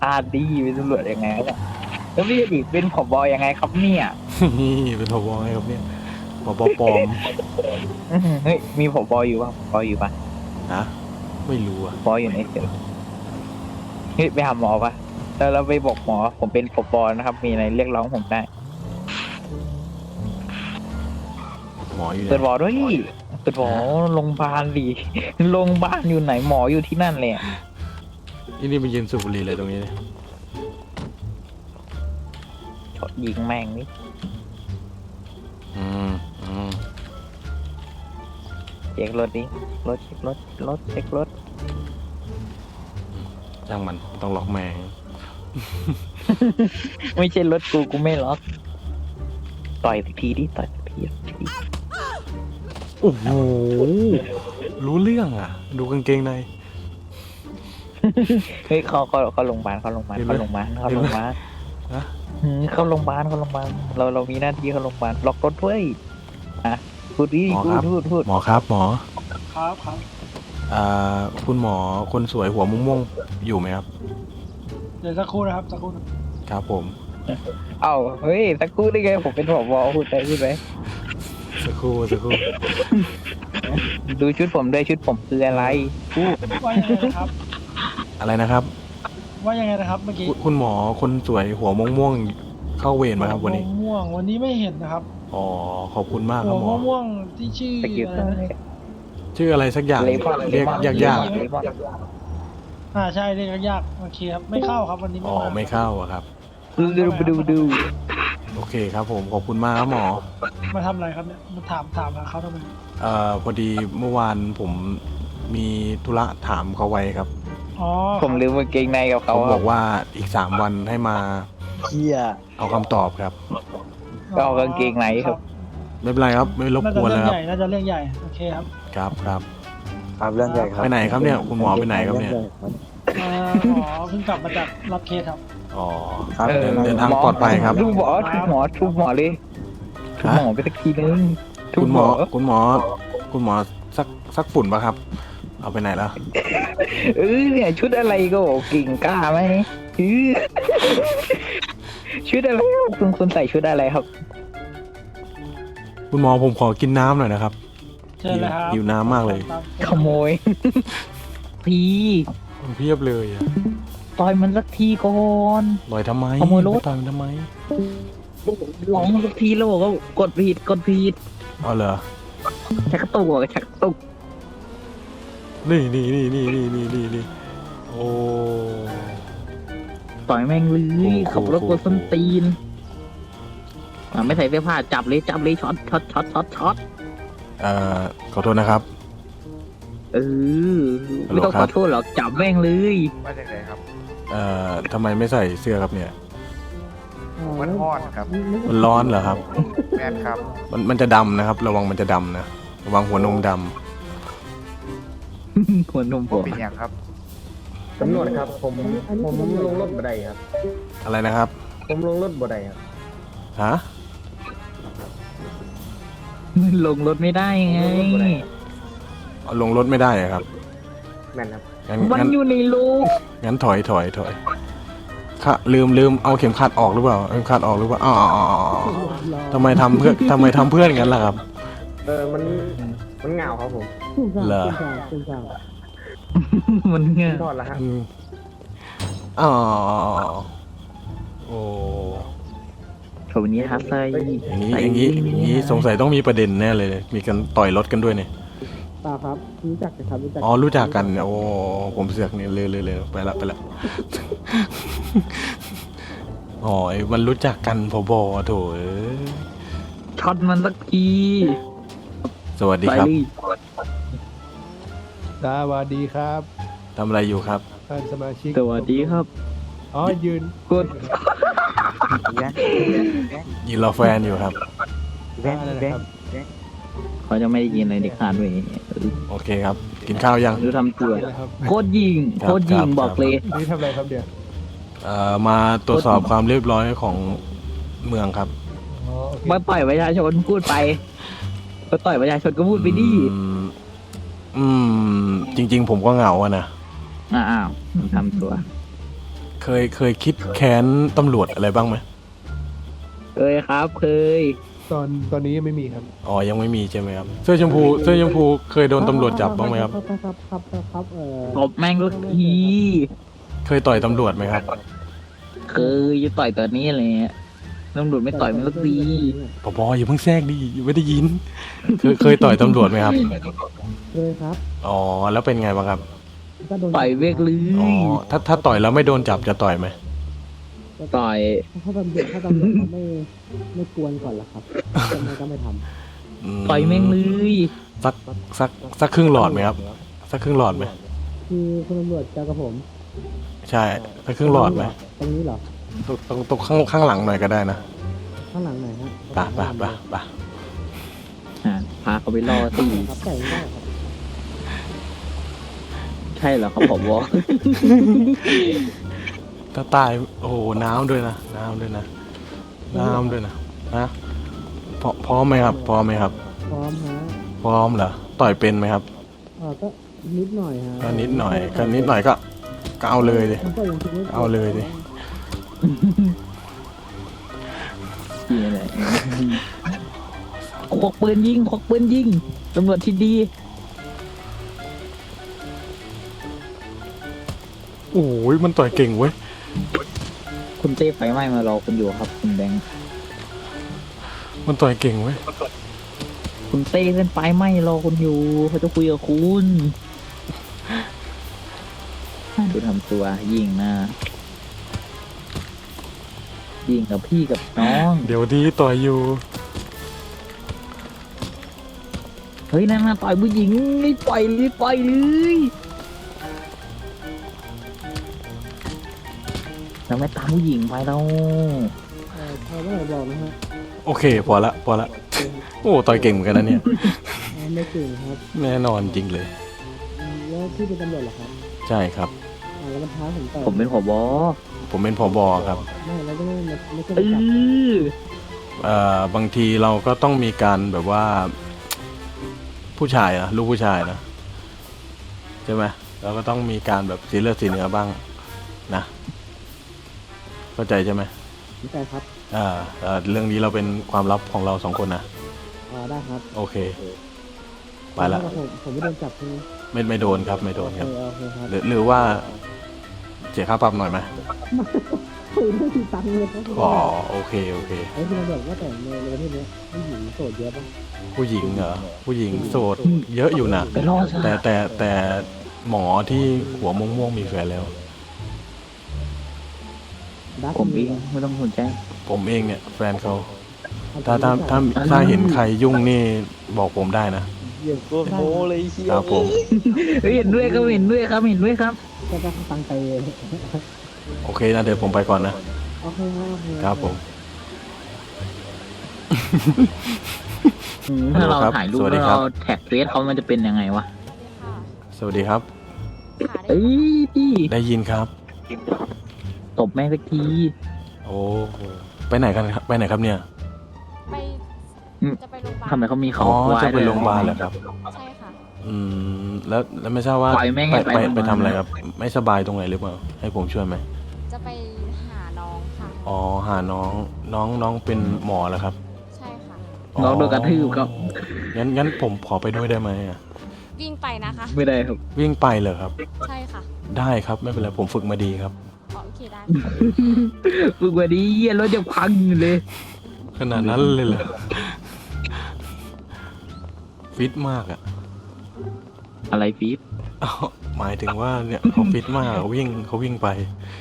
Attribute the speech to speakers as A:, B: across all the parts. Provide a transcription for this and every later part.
A: ดีเป็นตำรวจยังไงเนี่ยแล้วพี่ดิเป็นผบยังไงครับเนี่ย
B: นี่เป็นผบไงครับเนี่ยผบปลอม
A: เฮ้ยมีผบอยู่ป่ะผบอยู่ป่ะ
B: ฮะไม่รู้อ่ะ
A: ผบอยู่ในเสือเฮ้ยไปหาหมอป่ะแล้วเราไปบอกหมอผมเป็นผบนะครับ มีอะไรเรียกร้องผมได้
B: หมออยู่ไห
A: เปิดหม
B: น
A: อด้วยเปิดหมอโรงพยาบาลดิโรงพยาบาลอยู่ไหนหมออยู่ที่นั่นเลย
B: นี่ไปยืนสูบบุหรี่เลยตรงนี้เลย
A: ชดยิงแม่งนี่
B: อืมอืม
A: เช็ครถดิรถเช็ครถเช็ครถ
B: ช่างมันต้องล็อกแม่ง
A: ไม่ใช่รถกูไม่ล็อกต่อยสักทีดิต่อยสักที
B: โอ้โหรู้เรื่องอ่ะ ดูกางเกงใน
A: เฮ้ยเขาโรงพยาบาลเขาโรงพยาบาลเขาโรงพยาบาลเขาโรงพยาบาล
B: ฮะ
A: เข้าโรงพยาบาลเรามีหน้าที่เข้าโรงพยาบาลล็อกรถด้วยอ่ะพูดดิ
B: หมอครับ
A: พูด
B: หมอครับหมอ
C: ครับครับ
B: คุณหมอคนสวยหัวม่วงๆอยู่ไหมครับ
C: เดี๋ยวสักครู่นะครับสักครู่นะ
B: ครับผม
A: เอ้าเฮ้ยสักครู่ได้ไงผมเป็นผบพูดไป
B: สักครู่สักครู่
A: ดูชุดผมด้วยชุดผมคืออะไรพูด
C: ว่ายังไงนะครับ
B: อะไรนะครับ
C: ว่ายังไงนะครับเมื่อกี้
B: คุณหมอคนสวยหัวม่วงๆเข้าเวรมาครับวันนี้
C: หัม่วงวันนี้ไม่เห็นนะครับ
B: อ๋อขอบคุณมากค
C: หั
B: รั
C: ว
B: บหมอ
C: ม่วงที่ชื่อ
A: สกิล
C: อะไรนะ
B: ชื่ออะไรสักอย่าง
A: เลมอน
B: เรียกยาก
C: ใช่เรียกยากโอเคครับไม่เข้าครับวันนี้
B: ๆอ๋อไม่เข้าอะครับ
A: ดู
B: โอเคครับผมขอบคุณมากครับหมอ
C: มาทำอะไรครับเนี่ยมาถามหาเขาทำไม
B: พอดีเมื่อวานผมมีธุระถามเขาไว้ครับ
C: อ๋อ
A: ผมลืมกางเกงในกับเขา
B: เขาบอกว่าอีก3 วันให้มา
A: เฮีย
B: เอาคำตอบครับ
A: ก็เอากางเกงในครับ
B: ไม่เป็นไรครับไม่รบ
C: น่าก จะ
B: วน
C: เรื่
B: แล้
C: อ
B: ว
C: ง
B: ครับ
C: ใหญ่น่าจะเรื่องใหญ่โอเคครับ
B: ครับครับ
D: ครับเรื่องใหญ่ครับ
B: ไปไหนครับเนี่ยคุณหมอไปไหนครับเนี่ย
C: หมอเพิ่งกลับมาจากรับเคสครับ
B: อ๋อ
D: ครับ
B: เดินทางปลอดภัยครับ
A: ทุกหมอทุกหมอเลยทุกหมอไปสักทีนึงทุก
B: คุณหมอคุณหมอสักฝุ่นปะครับ เอาไปไหนแล้ว
A: เนี่ยชุดอะไรก็บอกกิ่งกล้าไหมชุดอะไรครับคุณใส่ชุดอะไรครับ
B: คุณหมอผมขอกินน้ำหน่อยนะครับ
C: เชิญเลยครับ
B: หิวน้ำมากเลย
A: ขโมย พี่
B: เพียบเลยอะ
A: ต่อยมันสักทีก่อน
B: ลอยทำไม
A: ขโมยรถ
B: ต่อยมันทำไม
A: ร้องสักทีแล้วบอกว่ากดผิด
B: เอาเหรอ
A: ชักกระตุกชักกระตุก
B: นี่โอ้
A: ต่อยแม่งเลยขับรถกดส้นตีนไม่ใส่เสื้อผ้าจับเลยช็อต
B: ขอโทษนะครับ
A: ไม่ต้องขอโทษหรอกจับแม่งเลย
D: มาจากไหนครับ
B: ทำไมไม่ใส่เสื้อครับเนี่ย
D: มันฮอดครับ
B: มันร้อนเหรอครับ
D: แมนครับ
B: มันจะดำนะครับ ระวังมันจะดำนะระวังหัวนมด
A: หัวนม
D: ผ
A: ผม ม
D: เป็นอย่างครับ
E: ตำรวจครับผมลงรถบ่ได้ครับ
B: ำอะไรนะครับ
E: ผมลงรถบ่ได้ครับ
B: ฮะ
A: ลงรถไม่ได้ไง
B: เอาลงรถไม่ได้อะครับ
E: แม่นครับ
B: งั้น
A: มันอยู่ในรู
B: งั้นถอยค่ะลืมเอาเข็มขัดออกหรือเปล่าเอาเข็มขัดออกหรือเปล่าอ๋อทำไมทำเพื่อนกันล่ะครับ
E: มันเหงาครับผม
B: เหรอ
A: มันเงี้ย
E: ทอดแล้วฮะ
B: อ๋อโอ้
A: ผมนี้ครับใส่
B: อย่างนี้สงสัยต้องมีประเด็นแน่เลย มีกันต่อยรถกันด้วยเนี่ย
E: เปล่าครับรู้จักกันครับรู้จัก
B: อ๋อรู้จักกันโอ้ผมเสือกนี่เลยไปละอ๋อมันรู้จักกันพบโถเอ้ย
A: ช็อตมันสักที
B: สวัสดีครับ
F: สวัสดีครับ
B: ทำอะไรอยู่ครับ
F: ท่านสมาชิก
A: สวัสดีครับ
F: อ๋อยืน
A: กด
B: ยินรอแฟนอยู่ครับ
F: อะไรนะครับ
A: เขาจะไม่ได้ยินอะไรเด็กขาดด้วย
B: โอเคครับ กินข้าวยัง
A: ดูทำตัว
F: นะครับ
A: โคตรยิง
B: ครับ
A: โคตรยิง
B: ครับ
A: บอกเลย
F: นี่ทำอะไรครับเดี๋ยว
B: มาตรวจสอบความเรียบร้อยของเมืองครับ
F: อ๋อโอเค
A: มาต่อยประชาชนพูดไปมาต่อยประชาชนก็พูดไปดิ
B: จริง ๆ ผมก็เหงาอะนะ
A: อ้าวทำตัว
B: เคยคิดแค้นตำรวจอะไรบ้างไหม
A: เคยครับเคย
F: ตอนนี้ยังไม่มีครับ
B: อ๋อยังไม่มีใช่ไหมครับเสื้อชมพูเคยโดนตำรวจจับบ้างไหมครับ
E: ครับ
A: ตบแม่งทุกที
B: เคยต่อยตำรวจไหมครับ
A: เคยจะต่อยตอนนี้เลยตำรวจไม่ต่อยมันก็ดี
B: ปปอย่าเพิ่งแทรกดิยังไม่ได้ยิน เคยต่อยตำรวจไหมครับ
E: เคยครับ
B: อ๋อแล้วเป็นไงบ้างครับ
E: ก็โดน
A: ต่อยเวกเล
B: อ๋อย ถ้าต่อยแล้วไม่โดนจับจะต่อยไหม
A: ต่อย
E: ถ้าตำรวจเขาไม่กวนก่อนล่ะครับทำไมก็ไม่ท
A: ต่อยแม่งเลย
B: สักครึ่งหลอดไหมครับสักครึ่งหลอดไหม
E: ำคือคุณตำรวจเจอกับผม
B: ใช่สักครึ่งหลอดไหม
E: ตรงนี้เหรอ
B: ตรงข้างหลังหน่อยก็ได้นะ
E: ข้างหลังไหนฮะ
B: ไป
A: พาเขาไปล่อตี
E: ครับแต่ไม่ได้ครับ
A: ใช่เหรอครับผมบอก
B: ถ้าตายโอ้โหน้ำด้วยนะนะพร้อมไหมครับ
E: พร้อมฮะ
B: พร้อมเหรอต่อยเป็นไหมครับ
E: ก็นิดหน่อยฮะ
B: ก็นิดหน่อยก็เอาเลยดิ
E: มันก็ยังคิดไม่
B: เอาเลยดิ
A: นี่แหละควักปืนยิงตำรวจที่ดี
B: โอ้ยมันต่อยเก่งเว้ย
A: คุณเต้ไฟไหม้มารอคุณอยู่ครับคุณแบงค์
B: มันต่อยเก่งเว้ย
A: คุณเต้ขึ้นไฟไหม้รอคุณอยู่เขาจะคุยกับคุณดูทำตัวยิงนะยิงกับพี่กับน้อง
B: เดี๋ยวดีต่อยอยู่
A: เฮ้ยนั่นน่ะต่อยผู้หญิงไม่ปล่อยเลยเราไม่ตามผู้หญิงไปเรา
E: พอเมื่อไหร่บอกนะฮะ
B: โอเคพอละโอ้ต่อยเก่งเหมือนกันนะเนี่ย
E: ไม่เก่งครับ
B: แน่นอนจริงเลย
E: แล้วพี่เป็นตำรวจเหรอครับ
B: ใช่ครับ
E: แล้วมันท้าผมต่อย
A: ผมเป็นผบ
B: ผมเป็นผบครับ
E: ไม่แล้วก็ไม่ใช่
A: เออ
B: บางทีเราก็ต้องมีการแบบว่า ผู้ชายนะลูกผู้ชายนะใช่ไหมเราก็ต้องมีการแบบสีเลือดสีเนื้อบ้างนะเข้าใจใช่ไหม
E: ไม่ใช่ครับ
B: เรื่องนี้เราเป็นความลับของเราสองคนนะ
E: ได้ครับ
B: โอเค ไปละ
E: ผมไม่โดนจับใช่ไหม
B: ไม่โดนครับไม่โดนครับ
E: โอเคครับ
B: หรือว่าเสียค่าปรับหน่อยไหม
E: คือไม่มีตังค์เลยครับ
B: อ๋อโอเค
E: ไอ้ที่เราบอกว่าแต่ในประเทศนี้ผู้หญิงโสดเยอะป่ะ
B: ผู้หญิงเหรอผู้หญิงโสดเยอะอยู่นะ
A: ไปรอซะ
B: แต่หมอที่หัวม่วงๆมีแฟนแล้ว
A: ผมเองไม่ต้องสนใจ
B: ผมเองเนี่ยแฟนเขาถ้าเห็นใครยุ่งนี่บอกผมได้นะ
E: โอ้โหเลยเชีย
B: ครับผม
A: เห็นด้วยครับเห็นด้วยครับ
E: ก็จะตังค์ไป
B: โอเคนะเดี๋ยวผมไปก่อนนะ
E: โอเคครับ
B: ครับผม
A: ถ้าเราถ่ายรูป
B: สวัสดี
A: แล้ว
B: ครับ
A: เราแท็กเฟซเขามันจะเป็นยังไงวะ
B: สวัสดีครับ
A: เอ้ยพี่
B: ได้ยินครับ
A: ตบแม่งสักที
B: โอ้ไปไหนกันครับไปไหนครับเนี่ย
G: ไปจะไปโรงพยาบาล
A: ทำไมเขามี
B: อ๋
A: เขา
B: อจะไปโรงพยาบาลเหรอครับ
G: ใช่ค่ะ
B: แล้วไม่ทราบว่า
A: ปล่อยแม่ง
B: ไปทำอะไรครับ ไม่สบายตรงไหนหรือเปล่าให้ผมช่วยไหม
G: จะไปหาน้องค่ะ
B: อ๋อหาน้องเป็นหมอแล้วครับ
G: ใช่ค่ะ
A: น้องโดนกระทืบครับ
B: งั้นผมขอไปด้วยได้ไหมอะ
G: วิ่งไปนะคะ
A: ไม่ได้ครับ
B: วิ่งไปเลยครับ
G: ใช่ค่ะ
B: ได้ครับไม่เป็นไรผมฝึกมาดีครับ
G: อ๋อโอเคได้
A: ฝึกว่าดีเหี้ยรถจะพังอยู่เลย
B: ขนาดนั้นเลยเหรอฟิตมากอะ
A: อะไรฟีด
B: อ้าวหมายถึงว่าเนี่ยเขาฟิตมากเขาวิ่งไป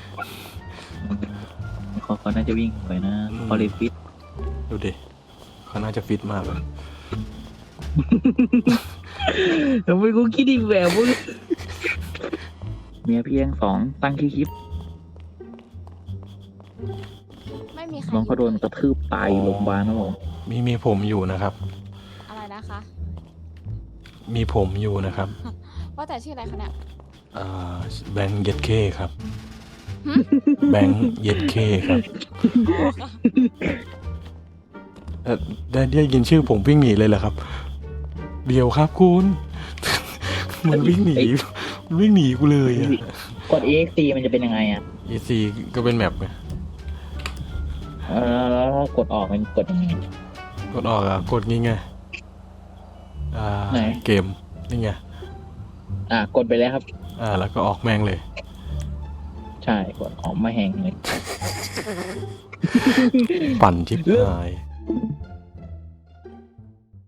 A: เขาน่าจะวิ่งไปนะเขาเลยฟีด
B: ดูดิเขาน่าจะฟิตมากเลย
A: ทำไมกูคิดอีกแบบมึงเมียเพียง2ตั้งคลิป
G: ไม่มีใคร
A: น้องเขาโดนกระทืบตายอยู่โรงพยาบาลนะผม
B: มีผมอยู่นะครับ
G: อะไรนะคะ
B: มีผมอยู่นะครับ
G: ว่าแต่ชื่ออะไรคะเนี่ย
B: แบงค์เย็ดเคครับ แบงค์เย็ดเคครับได้ยินชื่อผมวิ่งหนีเลยเหรอครับ เดี๋ยวครับคุณ มันวิ่งหนีกูเลยอะ
A: กด EXT มันจะเป็นยังไงอ่ะ
B: EC ก็เป็นแมปไง
A: แล้วกดออกมันกดยังไง
B: กดออกอะกดงี้ไง
A: ไหน
B: เกมนี่ไง
A: กดไปแล้วครับ
B: แล้วก็ออกแม่งเลย
A: ใช่กดออกมาแหงเลย
B: ปั่นชิบหาย